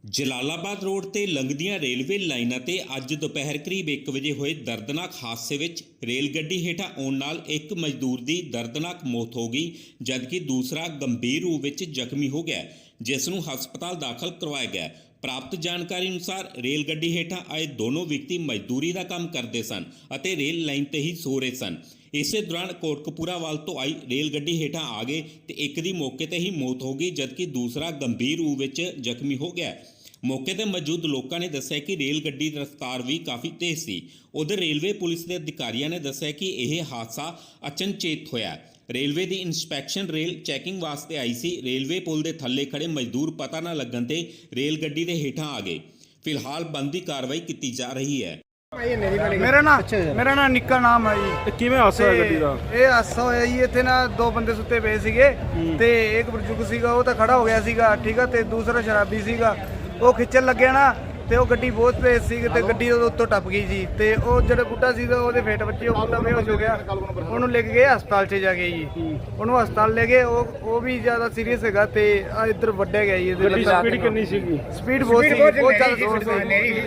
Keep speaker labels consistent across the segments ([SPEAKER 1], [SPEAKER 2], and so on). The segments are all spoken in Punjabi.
[SPEAKER 1] ਜਲਾਲਾਬਾਦ ਰੋਡ ਤੇ ਲੰਘਦੀਆਂ ਰੇਲਵੇ ਲਾਈਨਾਂ ਤੇ ਅੱਜ ਦੁਪਹਿਰ ਕਰੀਬ 1 ਵਜੇ ਹੋਏ ਦਰਦਨਾਕ ਹਾਦਸੇ ਵਿੱਚ ਰੇਲ ਗੱਡੀ ਹੇਠਾਂ ਆਉਣ ਨਾਲ ਇੱਕ ਮਜ਼ਦੂਰ ਦੀ ਦਰਦਨਾਕ ਮੌਤ ਹੋ ਗਈ, ਜਦਕਿ ਦੂਸਰਾ ਗੰਭੀਰ ਰੂਪ ਵਿੱਚ ਜ਼ਖਮੀ ਹੋ ਗਿਆ, ਜਿਸ ਨੂੰ ਹਸਪਤਾਲ ਦਾਖਲ ਕਰਵਾਇਆ ਗਿਆ। ਪ੍ਰਾਪਤ ਜਾਣਕਾਰੀ ਅਨੁਸਾਰ ਰੇਲ ਗੱਡੀ ਹੇਠਾਂ ਆਏ ਦੋਨੋਂ ਵਿਅਕਤੀ ਮਜ਼ਦੂਰੀ ਦਾ ਕੰਮ ਕਰਦੇ ਸਨ ਅਤੇ ਰੇਲ ਲਾਈਨ ਤੇ ਹੀ ਸੋ ਰਹੇ ਸਨ। ਇਸੇ ਦੌਰਾਨ ਕੋਟਕਪੂਰਾ ਵੱਲ ਤੋਂ ਆਈ ਰੇਲ ਗੱਡੀ ਹੇਠਾਂ ਆ ਗਏ ਤੇ ਇੱਕ ਦੀ ਮੌਕੇ ਤੇ ਹੀ ਮੌਤ ਹੋ ਗਈ, ਜਦਕਿ ਦੂਸਰਾ ਗੰਭੀਰ ਰੂਪ ਵਿੱਚ ਜ਼ਖਮੀ ਹੋ ਗਿਆ। ਮੌਕੇ ਤੇ ਮੌਜੂਦ ਲੋਕਾਂ ਨੇ ਦੱਸਿਆ ਕਿ ਰੇਲ ਗੱਡੀ ਦੀ ਰਫ਼ਤਾਰ ਵੀ ਕਾਫੀ ਤੇਜ਼ ਸੀ। ਉਧਰ ਰੇਲਵੇ ਪੁਲਿਸ ਦੇ ਅਧਿਕਾਰੀਆਂ ਨੇ ਦੱਸਿਆ ਕਿ ਇਹ ਹਾਦਸਾ ਅਚਨਚੇਤ ਹੋਇਆ। ਰੇਲਵੇ ਦੀ ਇੰਸਪੈਕਸ਼ਨ ਰੇਲ ਚੈਕਿੰਗ ਵਾਸਤੇ ਆਈ ਸੀ। ਰੇਲਵੇ ਪੁਲ ਦੇ ਥੱਲੇ ਖੜੇ ਮਜ਼ਦੂਰ ਪਤਾ ਨਾ ਲੱਗਣ ਤੇ ਰੇਲ ਗੱਡੀ ਦੇ ਹੇਠਾਂ ਆ ਗਏ। ਫਿਲਹਾਲ ਬਣਦੀ ਕਾਰਵਾਈ ਕੀਤੀ ਜਾ ਰਹੀ ਹੈ।
[SPEAKER 2] ਮੇਰਾ ਨਾਮ ਨਿੱਕਾ ਨਾਮ ਹੈ ਜੀ।
[SPEAKER 3] ਕਿਵੇਂ ਹਾਦਸਾ ਹੋਇਆ ਗੱਡੀ ਦਾ?
[SPEAKER 2] ਇਹ ਹਾਦਸਾ ਹੋਇਆ ਜੀ, ਇੱਥੇ ਨਾ ਦੋ ਬੰਦੇ ਸੁੱਤੇ ਪਏ ਸੀਗੇ ਤੇ ਇੱਕ ਬਜ਼ੁਰਗ ਸੀਗਾ, ਉਹ ਤਾਂ ਖੜਾ ਹੋ ਗਿਆ ਸੀਗਾ, ਠੀਕ ਆ, ਤੇ ਦੂਸਰਾ ਸ਼ਰਾਬੀ ਸੀਗਾ। ਉਹ ਖਿੱਚਣ ਲੱਗਿਆ ਨਾ ਤੇ ਉਹ ਗੱਡੀ ਬਹੁਤ ਤੇਜ਼ ਸੀ ਤੇ ਗੱਡੀ ਉਹਦੇ ਉੱਤੋਂ ਟੱਪ ਗਈ ਜੀ। ਤੇ ਉਹ ਜਿਹੜਾ ਬੁੱਢਾ ਸੀ ਉਹਦੇ ਫੇਟ ਬੱਚੇ, ਉਹ ਬੁੱਢਾ ਬੇਹੋਸ਼ ਹੋ ਗਿਆ। ਉਹਨੂੰ ਲੈ ਕੇ ਗਏ ਹਸਪਤਾਲ 'ਚ ਜਾ ਕੇ ਜੀ। ਉਹਨੂੰ ਹਸਪਤਾਲ ਲੈ ਗਏ, ਉਹ ਵੀ ਜ਼ਿਆਦਾ ਸੀਰੀਅਸ ਹੈਗਾ ਤੇ ਆ ਇੱਧਰ ਵੱਢਿਆ ਗਿਆ ਜੀ।
[SPEAKER 3] ਗੱਡੀ ਸਪੀਡ ਕਿੰਨੀ ਸੀਗੀ?
[SPEAKER 2] ਸਪੀਡ ਬਹੁਤ ਸੀ, ਬਹੁਤ ਜ਼ਿਆਦਾ ਜ਼ੋਰ ਸੀ।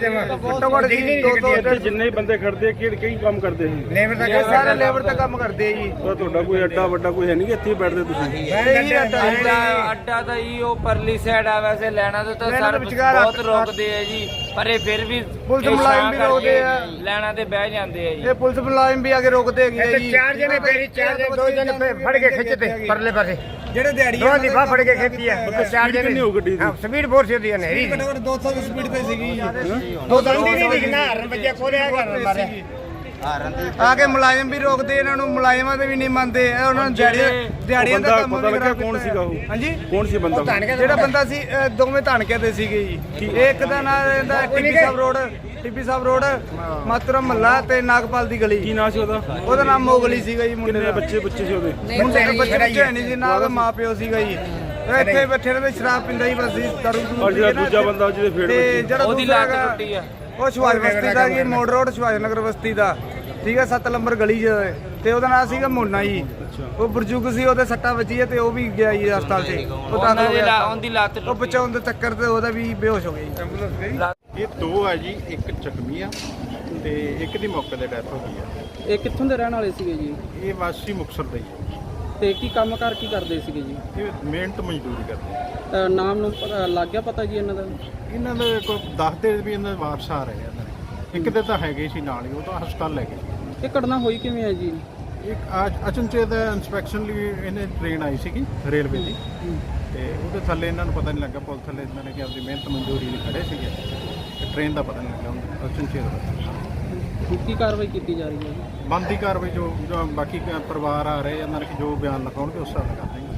[SPEAKER 3] ਜਿੰਨੇ ਬੰਦੇ ਖੜਦੇ ਕਈ ਕੰਮ ਕਰਦੇ ਸੀ?
[SPEAKER 2] ਸਾਰੇ ਲੇਬਰ ਦਾ ਕੰਮ ਕਰਦੇ ਜੀ।
[SPEAKER 3] ਤੁਹਾਡਾ ਕੋਈ ਅੱਡਾ ਵੱਡਾ ਕੋਈ ਹੈ ਨਹੀਂ, ਇੱਥੇ ਬੈਠਦੇ ਤੁਸੀਂ?
[SPEAKER 4] ਅੱਡਾ ਤਾਂ ਜੀ ਉਹ ਪਰਲੀ ਸਾਈਡ ਆ, ਵੈਸੇ ਲੈਣਾ ਤਾਂ ਸਰਵਿਸ ਬਹੁਤ ਰੋਕਦੇ ਆ ਜੀ, ਪਰ ਇਹ ਫਿਰ ਵੀ
[SPEAKER 2] ਪੁਲਿਸ ਮੁਲਾਜ਼ਮ ਵੀ ਰੋਕਦੇ ਆ,
[SPEAKER 4] ਲੈਣਾ ਤੇ ਬਹਿ ਜਾਂਦੇ ਆ ਜੀ।
[SPEAKER 2] ਇਹ ਪੁਲਿਸ ਮੁਲਾਜ਼ਮ ਵੀ ਆ ਕੇ ਰੋਕਦੇ ਹੈਗੇ ਜੀ।
[SPEAKER 5] ਚਾਰ ਜਣੇ ਦੋ ਜਣੇ ਫੜ ਕੇ ਖਿੱਚਦੇ ਪਰਲੇ ਪਾਸੇ,
[SPEAKER 2] ਜਿਹੜੇ ਦਿਹਾੜੀ
[SPEAKER 5] ਦੋ ਦੀ ਬਾਹ ਫੜ ਕੇ ਖਿੱਚੀ ਆ। ਚਾਰ ਜਣੇ
[SPEAKER 3] ਕਿੰਨੀ ਹੋ ਗੱਡੀ ਦੀ?
[SPEAKER 5] ਹਾਂ, ਸਪੀਡ ਬਹੁਤ ਸੀ ਉਹਦੀ, ਹਨੇਰੀ ਸੀ।
[SPEAKER 2] 200 ਦੀ ਸਪੀਡ ਤੇ ਸੀਗੀ।
[SPEAKER 5] ਉਹ ਦੰਦੀ ਨਹੀਂ ਦਿਖਣਾ, ਹਰਨ ਵੱਜਿਆ ਕੋਰਿਆ ਕਰ ਮਾਰਿਆ।
[SPEAKER 2] ਆ ਕੇ ਮੁਲਾਜ਼ਮ ਵੀ ਰੋਕਦੇ, ਇਹਨਾਂ ਨੂੰ ਮੁਲਾਜ਼ਮਾਂ ਦੇ ਵੀ ਨਹੀਂ ਮੰਨਦੇ। ਇਹ ਉਹਨਾਂ ਨੂੰ ਦਿਹਾੜੀਆਂ ਦਾ ਕੰਮ
[SPEAKER 3] ਪਤਾ
[SPEAKER 2] ਵੀ
[SPEAKER 3] ਲੱਗਿਆ
[SPEAKER 2] ਕਰਾ
[SPEAKER 3] ਕੌਣ ਸੀਗਾ ਉਹ?
[SPEAKER 2] ਹਾਂਜੀ,
[SPEAKER 3] ਕੌਣ ਸੀ ਬੰਦਾ?
[SPEAKER 2] ਜਿਹੜਾ ਬੰਦਾ ਸੀ ਦੋਵੇਂ ਧਾਨਕਿਆਂ ਦੇ ਸੀਗੇ ਜੀ। ਇੱਕ ਦਾ ਨਾਮ ਇਹਦਾ ਟਿੱਬੀ ਸਾਹਿਬ ਰੋਡ ਮਾਤਰਮ ਮਹੱਲਾ ਤੇ ਨਾਗਪਾਲ ਦੀ ਗਲੀ।
[SPEAKER 3] ਕੀ ਨਾਂ ਸੀ ਉਹਦਾ?
[SPEAKER 2] ਉਹਦਾ ਨਾਮ ਮੋਗਲੀ ਸੀਗਾ ਜੀ। ਮੁੰਡੇ
[SPEAKER 3] ਕਿੰਨੇ
[SPEAKER 2] ਦਾ
[SPEAKER 3] ਬੱਚੇ ਸੀ ਉਹਦੇ?
[SPEAKER 2] ਮੁੰਡੇ ਦੇ ਬੱਚੇ ਨਹੀਂ ਸੀ, ਨਾ ਉਹਦਾ ਮਾਂ ਪਿਓ ਸੀਗਾ ਜੀ। ਇੱਥੇ ਬੈਠੇ ਰਹੇ, ਸ਼ਰਾਬ ਪੀਂਦਾ ਹੀ ਬਸ, ਦਾਰੂ
[SPEAKER 3] ਔਰ ਜਿਹੜਾ ਦੂਜਾ ਬੰਦਾ ਜਿਹਦੇ ਫੇੜ
[SPEAKER 2] ਤੇ
[SPEAKER 3] ਵੱਜੀ,
[SPEAKER 2] ਜਿਹੜਾ
[SPEAKER 4] ਉਹਦੀ
[SPEAKER 2] ਦੂਸਰਾ
[SPEAKER 4] ਲੱਤ
[SPEAKER 2] ਹੈਗਾ,
[SPEAKER 4] ਟੁੱਟੀ ਆ।
[SPEAKER 2] ਉਹ ਸੁਭਾਸ਼ ਬਸਤੀ ਦਾ ਜੀ, ਮੋੜ ਰੋਡ ਸੁਭਾਸ਼ ਨਗਰ ਬਸਤੀ ਦਾ, ਠੀਕ ਹੈ, 7 ਨੰਬਰ ਗਲੀ 'ਚ। ਤੇ ਉਹਦਾ ਨਾਮ ਸੀਗਾ ਮੋਨਾ ਜੀ। ਉਹ ਬਜ਼ੁਰਗ ਸੀ, ਉਹਦੇ ਸੱਟਾਂ ਵੱਜੀ ਤੇ ਉਹ ਵੀ ਗਿਆ ਜੀ ਹਸਪਤਾਲ 'ਚ। ਉਹ ਦਾਖਲ ਹੋ ਗਿਆ।
[SPEAKER 4] ਉਹਦੀ ਲੱਤ
[SPEAKER 2] ਉਹ ਬਚਾਉਣ ਦੇ ਚੱਕਰ ਤੇ ਉਹਦਾ ਵੀ ਬੇਹੋਸ਼ ਹੋ ਗਿਆ ਜੀ।
[SPEAKER 6] ਇਹ ਦੋ ਹੈ ਜੀ, ਇੱਕ ਜ਼ਖਮੀ ਆ ਤੇ ਇੱਕ ਦੀ ਮੌਕੇ ਤੇ ਡੈਥ ਹੋ ਗਈ ਆ।
[SPEAKER 7] ਇਹ ਕਿੱਥੋਂ ਦੇ ਰਹਿਣ ਵਾਲੇ ਸੀਗੇ ਜੀ?
[SPEAKER 6] ਇਹ ਵਾਸੀ ਮੁਕਤਸਰ ਦੇ ਹੀ।
[SPEAKER 7] ਤੇ ਕੀ ਕੰਮਕਾਰ ਕੀ ਕਰਦੇ ਸੀਗੇ ਜੀ?
[SPEAKER 6] ਇਹ ਮਿਹਨਤ ਮਜ਼ਦੂਰੀ ਕਰਦੇ।
[SPEAKER 7] ਨਾਮ ਨੂੰ ਲੱਗ ਗਿਆ ਪਤਾ ਜੀ ਇਹਨਾਂ ਦਾ?
[SPEAKER 6] ਇਹਨਾਂ ਦੇ ਕੋਈ ਦੱਸਦੇ ਵੀ ਇਹਨਾਂ ਦੇ ਵਾਰਸ ਆ ਰਹੇ ਆ ਇਹਨਾਂ ਦੇ। ਇੱਕ ਦੇ ਤਾਂ ਹੈਗੇ ਸੀ ਨਾਲ ਹੀ, ਉਹ ਤਾਂ ਹਸਪਤਾਲ ਲੈ ਗਏ।
[SPEAKER 7] ਇਹ ਘਟਨਾ ਹੋਈ ਕਿਵੇਂ ਹੈ ਜੀ?
[SPEAKER 6] ਇੱਕ ਅਚਨਚੇਤ ਇੰਸਪੈਕਸ਼ਨ ਲਈ ਇਹਨੇ ਟ੍ਰੇਨ ਆਈ ਸੀਗੀ ਰੇਲਵੇ ਦੀ, ਤੇ ਉਹਦੇ ਥੱਲੇ ਇਹਨਾਂ ਨੂੰ ਪਤਾ ਨਹੀਂ ਲੱਗਾ, ਪੁਲ ਥੱਲੇ ਇਹਨਾਂ ਨੇ ਕਿ ਆਪਣੀ ਮਿਹਨਤ ਮਜ਼ਦੂਰੀ ਲਈ ਖੜੇ ਸੀਗੇ ਤੇ ਟ੍ਰੇਨ ਦਾ ਪਤਾ ਨਹੀਂ ਲੱਗਾ। ਅਚਨਚੇਤ
[SPEAKER 7] ਕੀ ਕਾਰਵਾਈ ਕੀਤੀ ਜਾ ਰਹੀ ਹੈ ਜੀ?
[SPEAKER 6] ਬਣਦੀ ਕਾਰਵਾਈ ਜੋ ਬਾਕੀ ਪਰਿਵਾਰ ਆ ਰਹੇ ਇਹਨਾਂ ਨੇ ਜੋ ਬਿਆਨ ਲਿਖਾਉਣਗੇ ਉਸ ਹਿਸਾਬ ਨਾਲ ਕਰਦੇ।